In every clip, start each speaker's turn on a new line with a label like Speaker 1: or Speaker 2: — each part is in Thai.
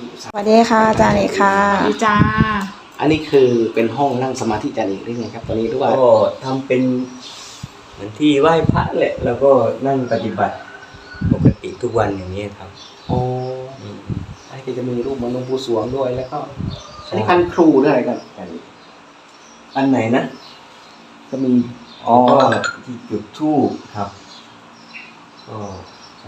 Speaker 1: สวัสดีค่ะอาจารย์เอกค่ะ
Speaker 2: สวัสดีจ้า
Speaker 3: อันนี้คือเป็นห้องนั่งสมาธิอาจารย์เอกหรือไงครับตอนนี้หรือว่า
Speaker 4: ก็ทำเป็นเหมือนที่ไหว้พระแหละแล้วก็นั่งปฏิบัติปกติทุกวันอย่างนี้ครับ
Speaker 3: อ๋อไอ้ที่จะมีรูปเหมันหลวงปู่สวงด้วยแล้วก็อันนี้คันครูด้วยอะไรกันอาจารย์เอก
Speaker 4: อันไหนนะ
Speaker 3: ก็มี
Speaker 4: อ๋อที่จุดธูปครับก็ใช่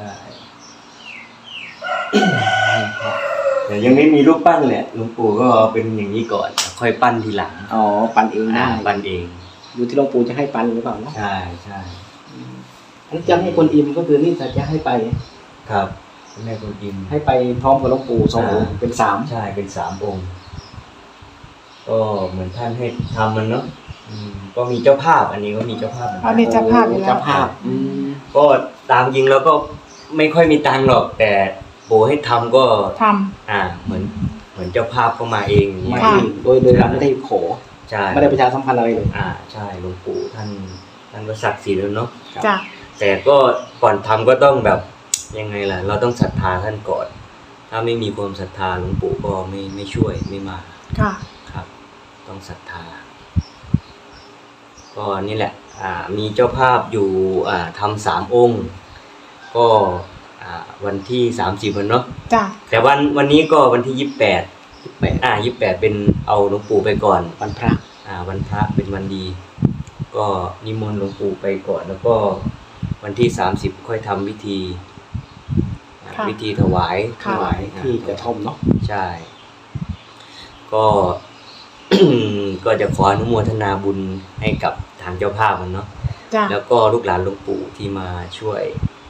Speaker 4: แต่ยังไม่มีรูปปั้นแหละหลวงปู่ก็เอาเป็นอย่างนี้ก่อนค่อยปั้นทีหลัง
Speaker 3: อ๋อปันเองได้
Speaker 4: ปั้นเอง
Speaker 3: อยู่ที่หลวงปู่จะให้ปันหรือเปล่าเนาะ
Speaker 4: ใช่ใช่
Speaker 3: อันนี้จะให้คนอิมก็คือนี่จะให้ไป
Speaker 4: ครับแม่คนอิม
Speaker 3: ให้ไปพร้อมกับหลวงปู่สององค์เป็นสาม
Speaker 4: ใช่เป็น3 องค์ก็เหมือนท่านให้ทำมันเนาะก็มีเจ้าภาพอันนี้ก็มีเจ้าภาพเหมือนกั
Speaker 2: อั
Speaker 4: น
Speaker 2: นนี้เจ้าภาพอยู่แล้ว
Speaker 3: เจ้าภาพ
Speaker 4: ก็ตามจริงแล้วก็ไม่ค่อยมีตังค์หรอก แต่ปู่ให้ทำก็
Speaker 2: ท
Speaker 4: เหมือนเจ้าภาพเข้ามาเองอย่าง
Speaker 3: ไม่
Speaker 4: เงี้ย
Speaker 2: ค่ะ
Speaker 3: โดยเราไม่ได้ขอ
Speaker 4: ใช่
Speaker 3: ไม่ได้ประชาสัมพันธ์อะไรเลย
Speaker 4: ใช่หลวงปู่ท่านก็ศักดิ์สิทธิ์แล้วเนาะ
Speaker 2: ำจ้า
Speaker 4: แต่ก็ก่อนทำก็ต้องแบบยังไงล่ะ เราต้องศรัทธาท่านก่อน ถ้าไม่มีความศรัทธาหลวงปู่ก็ไม่ช่วยไม่มา
Speaker 2: ค่ะ
Speaker 4: ครับ ต้องศรัทธาก็นี่แหละมีเจ้าภาพอยู่ทำ3 องค์ ก็วันที่30วันเนาะ
Speaker 2: จ้า
Speaker 4: แต่วันนี้ก็วันที่28เป็นเอาหลวงปู่ไปก่อน
Speaker 3: วันพระ
Speaker 4: วันพระเป็นวันดี ก็นิมนต์หลวงปู่ไปก่อน แล้วก็วันที่30ค่อยทำวิธีวิธีถวาย
Speaker 3: ถวายที่กระท่อมเนาะ
Speaker 4: ใช่ก็ ก็จะขออนุโมทนาบุญให้กับทางเจ้าภาพมันเนาะ
Speaker 2: จ้า
Speaker 4: แล้วก็ลูกหลานหลวงปู่ที่มาช่วย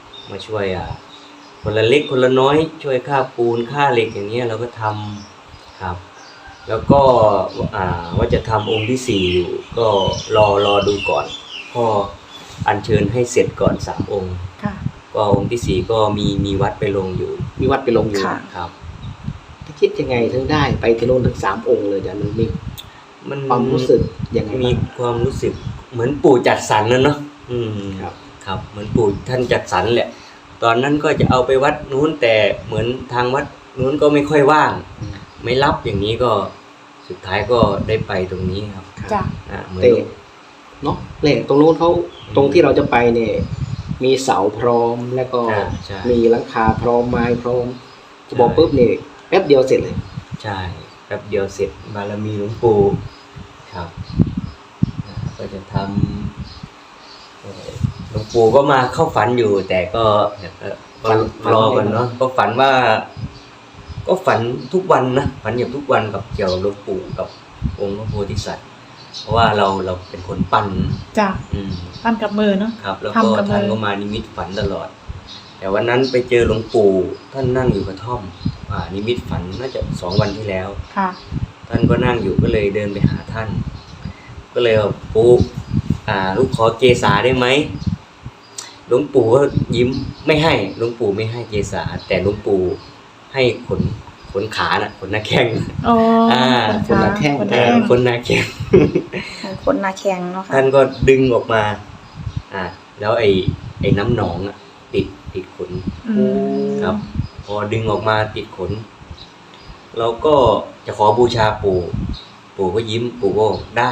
Speaker 4: คนละเล็กคนละน้อยช่วยค่าปูนค่าเหล็กอย่างเงี้ยเราก็ทำครับ แล้วก็ว่าจะทำองค์ที่4อยู่ก็รอดูก่อนก็อัญเชิญให้เสร็จก่อน3 องค์
Speaker 2: ค่ะ
Speaker 4: ก็องค์ที่4ก็มีวัดไปลงอยู่
Speaker 3: มีวัดไปลงอยู่
Speaker 1: ค่ะ
Speaker 4: ครับ
Speaker 3: ถ้าคิดยังไงถึงได้ไปที่โน่นถึง3 องค์เลยอาจารย์มี
Speaker 4: มัน
Speaker 3: ความรู้สึกยังไง
Speaker 4: มี
Speaker 3: บ้าง
Speaker 4: ความรู้สึกเหมือนปู่จัดสรรนะเนาะ
Speaker 3: ครับ
Speaker 4: ครับเหมือนปู่ท่านจัดสรรแหละ ตอนนั้นก็จะเอาไปวัดนู้นแต่เหมือนทางวัดนู้นก็ไม่ค่อยว่าง ไม่รับอย่างนี้ก็สุดท้ายก็ได้ไปตรงนี้ครับ
Speaker 2: จ้า
Speaker 4: เหมือน
Speaker 3: เตะเนาะแหล่งตรงนู้นเขาตรงที่เราจะไปเนี่ยมีเสาพร้อมแล้วก็
Speaker 4: ใช่
Speaker 3: มีหลังคาพร้อมไม้พร้อมจะบอกปุ๊บเนี่ยแป๊บเดียวเสร็จเลย
Speaker 4: ใช่แป๊บเดียวเสร็จบารมีหลวงปู่ครับก็จะทำหลวงปู่ก็มาเข้าฝันอยู่ แต่ก็รอกันเนาะก็ฝันว่า ก็ฝันทุกวันนะฝันอย่างทุกวันกับเกี่ยวกับหลวงปู่กับองค์พระโพธิสัตว์เพราะว่าเราเป็นคนปั้น
Speaker 2: จ้า
Speaker 4: อืม
Speaker 2: ปั้นกับมือเนาะ
Speaker 4: ครับแล้วก็
Speaker 2: ทำกับมือ
Speaker 4: ท่านก็มานิมิตฝันตลอด แต่วันนั้นไปเจอหลวงปู่ท่านนั่งอยู่กระท่อมนิมิตฝันน่าจะ2 วันที่แล้ว
Speaker 2: ค่ะ
Speaker 4: ท่านก็นั่งอยู่ก็เลยเดินไปหาท่าน ก็เลยบอกปู่ลูกขอเกษาได้ไหมหลวงปู่ก็ยิ้มไม่ให้หลวงปู่ไม่ให้เกษาแต่หลวงปู่ให้ขนขาน่ะขนหน้าแข้ง
Speaker 2: โอ้
Speaker 3: คนละแข้ง
Speaker 2: คนละแข้ง
Speaker 4: ขนหน้าแข้ง
Speaker 1: คนนาแข็งเนาะค่ะ
Speaker 4: ท่านก็ดึงออกมาแล้วไอ้น้ำหนองติดขน
Speaker 2: อืม
Speaker 4: ครับ พอดึงออกมาติดขนเราก็จะขอบูชาปู่ก็ยิ้มปู่ก็ได้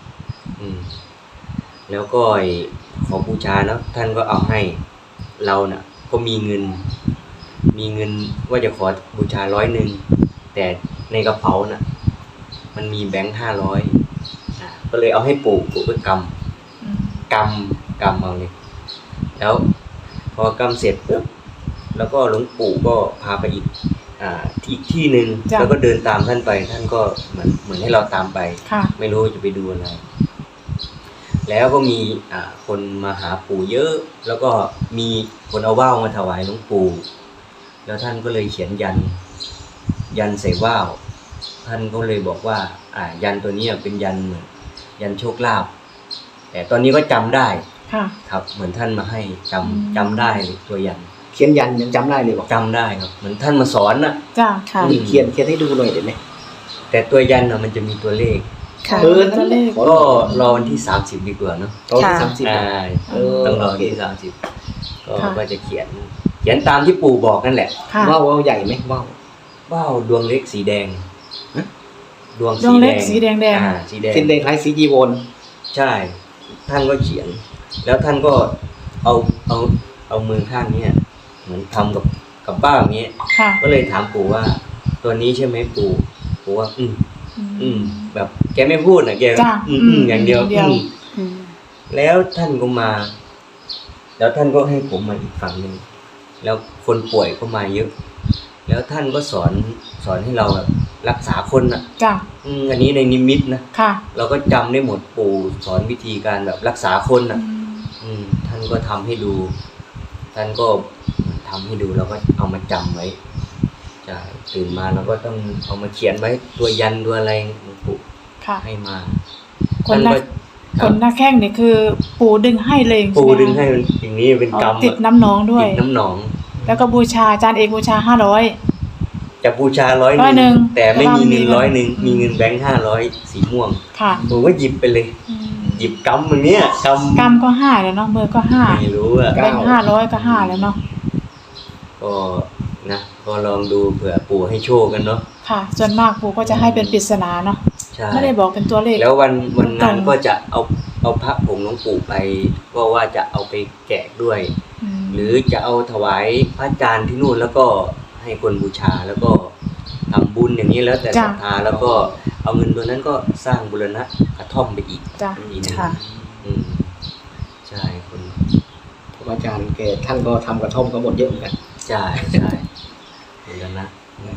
Speaker 4: แล้วก็ขอบูชาเนาะท่านก็เอาให้เราน่ะก็มีเงินว่าจะขอบูชา100แต่ในกระเป๋าน่ะมันมีแบงค์500ก็เลยเอาให้ปู่ก็กำเอาเลยแล้วพอกำเสร็จปุ๊บแล้วก็หลวงปู่ก็พาไปอีกที่หนึ่งแล้วก็เดินตามท่านไปท่านก็เหมือนให้เราตามไป
Speaker 2: ค่ะ
Speaker 4: ไม่รู้จะไปดูอะไรแล้วก็มีคนมาหาปู่เยอะแล้วก็มีคนเอาว่าวมาถวายหลวงปู่แล้วท่านก็เลยเขียนยันใส่ว่าวท่านก็เลยบอกว่ายันตัวนี้เป็นยันเหมือนยันโชคลาภแต่ตอนนี้ก็จำได้
Speaker 2: ค่ะ
Speaker 4: ครับเหมือนท่านมาให้จำได้ตัวยัน
Speaker 3: เขียนยันยังจำได้เลยบอก
Speaker 4: จำได้ครับเหมือนท่านมาสอนน่ะ
Speaker 2: จ้า
Speaker 1: ค่ะ
Speaker 3: เขียนให้ดูหน่อยเดี๋ยวนี้
Speaker 4: แต่ตัวยันมันจะมีตัวเลข
Speaker 1: ค่ะ
Speaker 3: นั่นแหละ
Speaker 4: ก็รอวันที่30ดีกว่าเนาะ
Speaker 3: ตอนที่
Speaker 1: ค่ะ
Speaker 3: 30
Speaker 4: ต้องรอวันที่30ก็จะเขียนตามที่ปู่บอกนั่นแหละ
Speaker 2: ค่ะ
Speaker 3: ว่าวใหญ่ไหมว่าว
Speaker 4: ว่าวดวงเล็กสีแดง
Speaker 3: ฮะ
Speaker 4: ดวง
Speaker 2: ดวงเล็กสีแดง
Speaker 4: สีแดง
Speaker 3: เส้นแดงคล้ายสีจีวร
Speaker 4: ใช่ ท่านก็เขียน แล้วท่านก็เอามือข้างเนี้ยเหมือนทำกับบ้าอย่างเงี้ย
Speaker 2: ค่ะ
Speaker 4: ก็เลยถามปู่ว่า ตัวนี้ใช่ไหมปู่ว่าแบบแกไม่พูดนะแก
Speaker 2: จ้ะ
Speaker 4: อย่างเดียว
Speaker 1: อืม
Speaker 4: แล้วท่านก็มา แล้วท่านก็ให้ผมมาอีกฝั่งหนึ่งแล้วคนป่วยก็มาเยอะ แล้วท่านก็สอนให้เราแบบรักษาคนน่ะ
Speaker 2: จ้ะ
Speaker 4: อันนี้ในนิมิตนะ
Speaker 2: ค่ะ
Speaker 4: เราก็จำได้หมดปู่สอนวิธีการแบบรักษาคนน่ะ ท่านก็ทำให้ดู ท่านก็ทำให้ดูเราก็เอามาจำไว้ใช่ตื่นมาเราก็ต้องเอามาเขียนไว้ตัวยันตัวอะไรหลวงปู่
Speaker 2: ค่ะ
Speaker 4: ให้มา
Speaker 2: คนหน้า
Speaker 4: ท่านก็
Speaker 2: คนหน้าแข้งนี่คือปู่ดึงให้เลย
Speaker 4: ปู่
Speaker 2: ใช่ไม
Speaker 4: ดึงให้มันอย่างนี้เป็น
Speaker 2: อ๋อก
Speaker 4: รรม
Speaker 2: ติดน้ำหนองด้วย
Speaker 4: ติดน้ำหนอง
Speaker 2: แล้วก็บูชาอาจารย์เอกบูชา500
Speaker 4: จะบูชา100
Speaker 2: 100
Speaker 4: แต่ไม่มีเงิน
Speaker 2: แต่ว่ามี
Speaker 4: 100มีเงินแบงค์500สีม่วง
Speaker 2: ค่ะ
Speaker 4: ผมก็หยิบไปเลย หยิบกำอย่างเนี้ยก
Speaker 2: กรรมก็5แล้วเนาะมือก็
Speaker 4: ำไม่รู้อ่ะ
Speaker 2: 5แบงค์500ก็5แล้วเนาะ
Speaker 4: ก็นะก็ลองดูเผื่อปู่ให้โชคกันเนาะ
Speaker 2: ค่ะส่วนมากปู่ก็จะให้เป็นปริศนาเนาะ
Speaker 4: ใช่
Speaker 2: ไม่ได้บอกเป็นตัวเลข
Speaker 4: แล้ววันนั้น
Speaker 2: ตรง
Speaker 4: ก็จะเอาพระผงหลวงปู่ไปว่าจะเอาไปแจกด้วย
Speaker 2: ม
Speaker 4: หรือจะเอาถวายพระอาจารย์ที่นู่นแล้วก็ให้คนบูชาแล้วก็ทำบุญอย่างนี้แล้วแต่ศรัทธาแล้วก็เอาเงินตัวนั้นก็สร้างบูรณะกระท่อมไปอีก
Speaker 2: จ้ะ
Speaker 4: อีกนึง
Speaker 1: ค่ะ
Speaker 4: ใช่คน
Speaker 3: พระอาจารย์แกท่านก็ทำกระท่อมก็หมดเยอะเหมือนกัน
Speaker 4: ใช่บูรณะ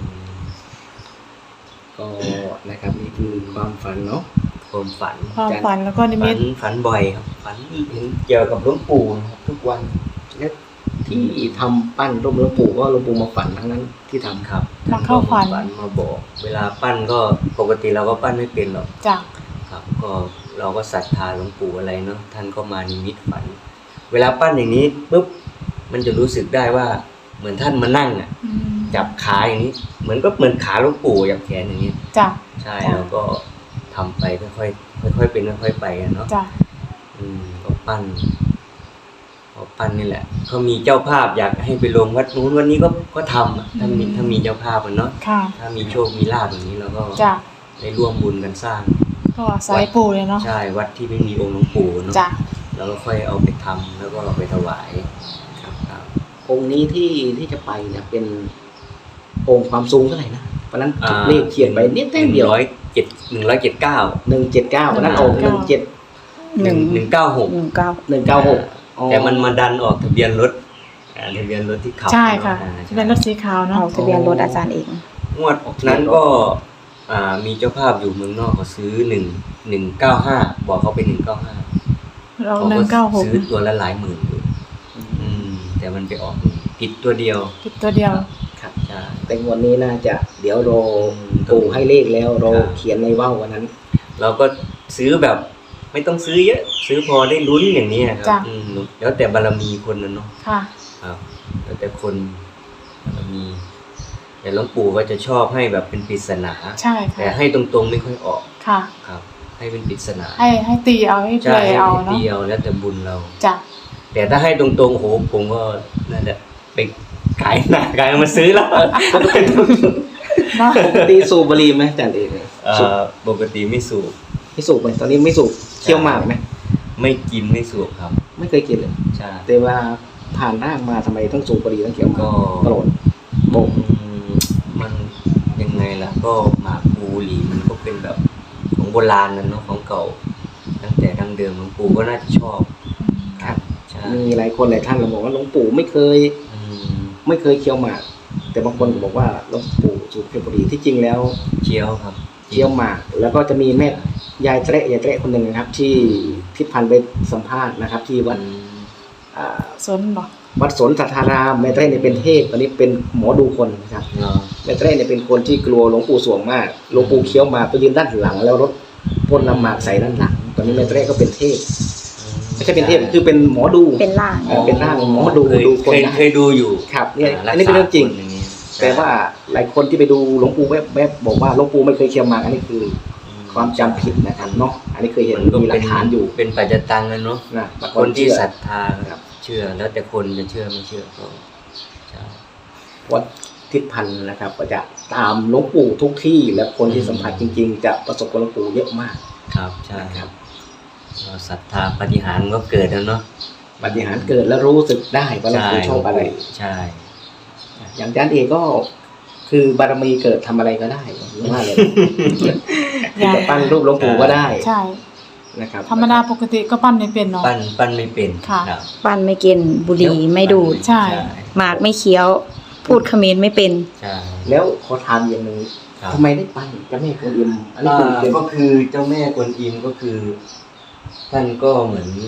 Speaker 3: ก็นะครับนี่คือความฝันเนาะ
Speaker 4: ความฝัน
Speaker 2: ความฝันแล้วก็นิมิต
Speaker 4: ฝันบ่อยครับฝันเห็นเกี่ยวกับหลวงปู่นะครับทุกวัน
Speaker 3: และที่ทำปั้นรูปหลวงปู่ก็หลวงปู่มาฝันทั้งนั้นที่ทำ
Speaker 4: ครับ
Speaker 2: มาเข้าฝัน
Speaker 4: มาบอก เวลาปั้นก็ปกติเราก็ปั้นไม่เป็นหรอก
Speaker 2: จ้ะ
Speaker 4: ครับ ก็เราก็ศรัทธาหลวงปู่อะไรเนาะท่านก็มานิมิตฝัน เวลาปั้นอย่างนี้ปุ๊บมันจะรู้สึกได้ว่าเหมือนท่านมานั่งอ่ะ จับขาอย่างนี้ เหมือนขาหลวงปู่จับแขนอย่างนี้
Speaker 2: จ้ะ
Speaker 4: ใช่
Speaker 2: จ้ะ
Speaker 4: แล้วก็ทำไปค่อยๆเป็นค่อยๆไปกันเนาะ
Speaker 2: จ้ะ
Speaker 4: ก็ปั้นพอปั้นนี่แหละเขามีเจ้าภาพอยากให้ไปลงวัดนู้นวันนี้ก็ทำอะถ้ามีเจ้าภาพมันเนาะ
Speaker 2: ค่ะ
Speaker 4: ถ้ามีโชคมีลาภอย่างนี้เราก็
Speaker 2: จ้ะ
Speaker 4: ได้ร่วมบุญกันสร้าง
Speaker 2: ก็สายปู่เลยเนาะ
Speaker 4: ใช่วัดที่ไม่มีองค์หลวงปู่เนาะ
Speaker 2: จ้ะ
Speaker 4: แล้วก็ค่อยเอาไปทำแล้วก็เอาไปถวายครับ
Speaker 3: องค์นี้ที่จะไปเนี่ยเป็นองค์ความสูงเท่าไหร่นะวันนั้นเลขเขียนไปนิดเดียว
Speaker 4: 179
Speaker 3: 179วันนั้นองค์
Speaker 1: หนึ่ง
Speaker 4: 196
Speaker 3: 196
Speaker 4: แต่มันมาดันออกทะเบียนรถทะเบียนรถที่ขับ
Speaker 2: ใช่ค่ะ
Speaker 4: อ่า
Speaker 2: จะเป็นรถสีขาวเนาะ
Speaker 1: เอาทะเบียนรถอาจารย์เอง
Speaker 4: งวดนั้นก็มีเจ้าภาพอยู่เมืองนอกเขาซื้อ195บอกเขาเป็น195
Speaker 2: เรา
Speaker 4: เขาก็ซื้อ
Speaker 2: 196
Speaker 4: ตัวละหลายหมื่นอยู่แต่มันไปออกผิดตัวเดียว
Speaker 2: ผิดตัวเดียว
Speaker 3: ครับ
Speaker 4: ใช่
Speaker 3: แต่งวดนี้น่าจะเดี๋ยวรอปู่ให้เลขแล้วรอเขียนในว่าววันนั้น
Speaker 4: เราก็ซื้อแบบไม่ต้องซื้อเยอะ ซื้อพอได้ลุ้นอย่างนี้ครั
Speaker 2: จ้ะ
Speaker 4: แล้วแต่บารมีคนนะเนาะ
Speaker 2: ค่ะ
Speaker 4: ครับแล้วแต่คนบารมี แต่หลวงปู่ก็จะชอบให้แบบเป็นปริศนา
Speaker 2: ใช่
Speaker 4: แต่
Speaker 2: ค่ะ
Speaker 4: ให้ตรงๆไม่ค่อยออก
Speaker 2: ค่ะ
Speaker 4: ครับ ให้เป็นปริศนา
Speaker 2: ให้ตีเอาให้เพล
Speaker 4: ใช่
Speaker 2: ยเอา
Speaker 4: ให้
Speaker 2: เนาะ
Speaker 4: เดียวแล้วแต่บุญเรา
Speaker 2: จ้ะ
Speaker 4: แต่ถ้าให้ตรงๆโอ้โหผมก็น่าจะไปขายหน้ากายมาซื้อแล้ว
Speaker 2: เนาะ
Speaker 3: ปกติสูบบุหรี่ไหมอาจารย์เอกสูบ
Speaker 4: ปกติไม่สูบ
Speaker 3: ไม่สูบไหมตอนนี้ไม่สูบเคี้ยวหมากไหม
Speaker 4: ไม่กินไม่สูบครับ
Speaker 3: ไม่เคยกินเลย
Speaker 4: ใช่
Speaker 3: แต่ว่าผ่านร่างมาทำไมต้องสูบบุหรี่ต้องเคี้ยวหมาก
Speaker 4: ก็
Speaker 3: โกรธโบก
Speaker 4: มันยังไงล่ะ ก็หมากภูหลีมันก็เป็นแบบของโบราณนั่นเนาะของเก่า ตั้งแต่ดั้งเดิมหลวงปู่ก็น่าจะชอบครับใช่
Speaker 3: มีหลายคนหลายท่านเราบอกว่าหลวงปู่ไม่เคย
Speaker 4: อืม
Speaker 3: ไม่เคยเคี้ยวหมาก แต่บางคนก็บอกว่าหลวงปู่สูบเคี้ยวบุหรี่ที่จริงแล้ว
Speaker 4: เชียวครับ
Speaker 3: เคี้ยวหมาก แล้วก็จะมีแม่ยายเตะคนหนึ่งนะครับ ที่ทิศพันธ์ไปสัมภาษณ์นะครับ ที่วัดา
Speaker 2: สนบอก
Speaker 3: วัดสนสัทธารามแม่เตะเนี่ยเป็นเทพตอนนี้เป็นหมอดูคนนะครับ
Speaker 4: เนาะ
Speaker 3: แม่เตะเนี่ยเป็นคนที่กลัวหลวงปู่สวงมากหลวงปู่เคี้ยวหมากไปยืนด้านหลัง แล้วรถพ่นน้ำหมากใส่ด้านหลัง ตอนนี้แม่เตะก็เป็นเทพไม่ใช่เป็นเทพคือเป็นหมอดู
Speaker 1: เป็นล่าง
Speaker 3: เป็นร่างหมอดู
Speaker 4: เคย
Speaker 3: ดูคนนะ
Speaker 4: เคยดูอยู่
Speaker 3: ครับเนี่ยอันนี้เป็นเรื่องจริง
Speaker 4: ษาคนย่านี้
Speaker 3: แต่ว่าหลายคนที่ไปดูหลวงปู่แวบๆบอกว่าหลวงปู่ไม่เคยเคี้ยวหมากอันนี้คือความจำผิดนะครับเนาะอันนี้เคยเห็น
Speaker 4: มันก็
Speaker 3: มีหลั
Speaker 4: เป็
Speaker 3: ก
Speaker 4: น
Speaker 3: ฐานอยู่
Speaker 4: เป็นปัจจตังกันเนาะ
Speaker 3: นะบาง
Speaker 4: คนที่
Speaker 3: เชื่อ
Speaker 4: ศรัทธา
Speaker 3: ครับ
Speaker 4: เชื่อแล้วแต่คนจะเชื่อไม่เชื่อก็ใช่
Speaker 3: วัดททิศพันธ์นะครับ ก็จะตามหลวงปู่ทุกที่และคนที่สัมผัสจริง ๆ จะประสบกับหลวงปู่เยอะมาก
Speaker 4: ครับใช่
Speaker 3: นะครับ
Speaker 4: เราศรัทธาปาฏิหาริย์ก็เกิดแล้วเนาะ
Speaker 3: ปาฏิหาริย์เกิดแล้วรู้สึกได้ว่าหลวงปู่ชอบอะไร
Speaker 4: ใช่
Speaker 3: อย่างอาจารย์เอกก็คือบารมีเกิดทำอะไรก็ได้ว่าเลยจะปั้นรูปหลวงปู่ก็ได้
Speaker 2: ใช่
Speaker 3: นะครับ
Speaker 2: ธรรมดาปกติก็ปั้นไม่เป็นเนาะ
Speaker 4: ปั้นไม่เป็น
Speaker 2: ค่ะ
Speaker 4: รับ
Speaker 1: ปั้นไม่กินบุหรี่ไม่ดูด
Speaker 2: ใช่
Speaker 1: หมากไม่เคี้ยว พูดเขมรไม่เป็น
Speaker 4: ใช่
Speaker 3: แล้วขอถามอย่างหนึง
Speaker 4: ครับ
Speaker 3: ทำไมได้ปั้นเจ้าแม่กวนอิมอันนี้เป็น
Speaker 4: ก็คือเจ้าแม่กวนอิมก็คือ ท่านก็เหมือน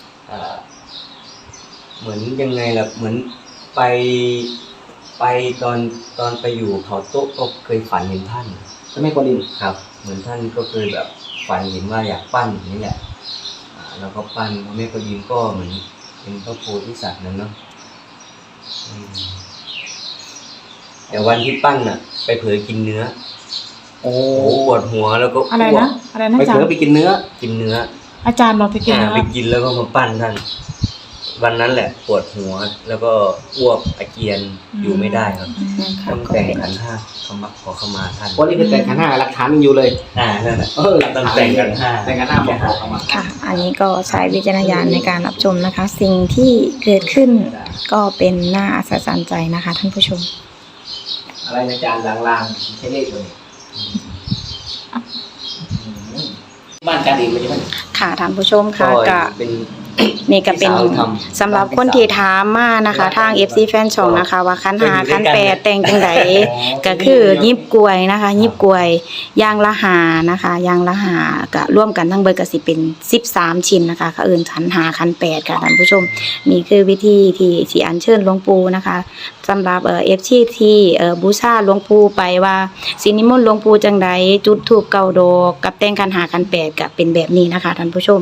Speaker 4: เหมือนยังไงล่ะเหมือนไปตอนไปอยู่เขาโต๊ะก็เคยฝันเห็นท่าน
Speaker 3: เจ้าแม่กวนอิม
Speaker 4: ครับ เหมือนท่านก็เคยแบบฝันเห็นว่าอยากปั้นอย่างนี้แหละแล้วก็ปั้นพระแม่กวนอิมก็เหมือนเป็นพระโพธิสัตว์นั่นเนาะอืมแต่วันที่ปั้นน่ะ ไปเผลอกินเนื้อ
Speaker 3: โอ้
Speaker 4: โอ้ปวดหัวแล้วก็
Speaker 2: อะไรนะอะไรนะ
Speaker 3: ไป
Speaker 2: อาจาร
Speaker 3: เผลอ
Speaker 2: ย์
Speaker 3: ไปกินเนื้อ
Speaker 4: กินเนื้อ
Speaker 2: อาจารย์เราไปกิน
Speaker 4: ไป
Speaker 2: เนื้อ
Speaker 4: กินแล้วก็มาปั้นท่าน วันนั้นแหละปวดหัวแล้วก็อ้วกอาเจียนอยู่ไม่ได้ครับ
Speaker 1: นะคะ
Speaker 4: ต้อง
Speaker 1: ก็
Speaker 4: แต่ง
Speaker 1: เป็น
Speaker 4: ขันธ์ห้าขอเข้ามาท่าน
Speaker 3: วันนี้คือแต่งขันห้าหลักฐานยังอยู่เลย
Speaker 4: นั่นแหละ
Speaker 3: หลักฐาน
Speaker 4: ต้องแต่งขันห้า
Speaker 3: แต่งขันห้าบอกเข้ามา
Speaker 1: ค่ะ อันนี้ก็ใช้วิจารณญาณในการรับชมนะคะ สิ่งที่เกิดขึ้นก็เป็นน่าอัศจรรย์ใจนะคะ ท่านผู้ชม
Speaker 3: อะไรนะอาจารย์ลางๆใช้เลขเลยบ้านอาจารย์เองเลยใช่ไหม
Speaker 1: ค่ะท่านผู้ชมค่ะก็
Speaker 4: เป็น
Speaker 1: นี่ก็เป็น
Speaker 4: พี่สาวทำ
Speaker 1: สำหรับคนที่ถามมานะคะ ทาง FC แฟนช่องนะคะ ว่าคันหาคันแปดแต่งจังไดก็คือยิบกล้วยนะคะ ยิบกล้วยยางละหานะคะยางละหาก็ร่วมกันทั้งเบิดก็สิเป็น13ชิ้นนะคะก็เอิ้นคันหาคันแปดค่ะท่านผู้ชมนี่คือวิธีที่สิอัญเชิญหลวงปู่นะคะสำหรับFC ที่บูชาหลวงปู่ไปว่าสินิมนต์หลวงปู่จังไดจุดธูปเก้าดอกกับแต่งคันหาคันแปดก็เป็นแบบนี้นะคะท่านผู้ชม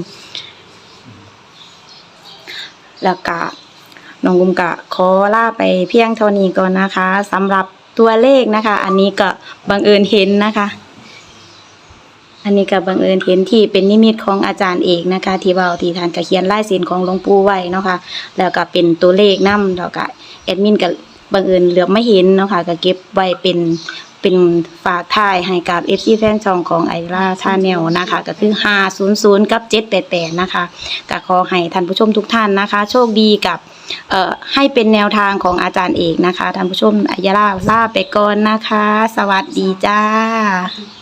Speaker 1: แล้วก็น้องกุมกะขอลาไปเพียงเท่านี้ก่อนนะคะสำหรับตัวเลขนะคะ อันนี้ก็บังเอิญเห็นนะคะ อันนี้ก็บังเอิญเห็นที่เป็นนิมิตของอาจารย์เอกนะคะ ที่เว้าที่ท่านก็เขียนลายเซ็นของหลวงปู่ไว้เนาะค่ะแล้วก็เป็นตัวเลขนำแล้วก็แอดมินก็บังเอิญเหลือบไม่เห็นเนาะค่ะก็เก็บไว้เป็นฝากท้ายให้กับ FC แฟนช่องของไอราชาแนลนะคะก็คือ500กับ788นะคะก็ขอให้ท่านผู้ชมทุกท่านนะคะ โชคดีกับให้เป็นแนวทางของอาจารย์เอกนะคะท่านผู้ชมไอยาลาไปก่อนนะคะ สวัสดีจ้า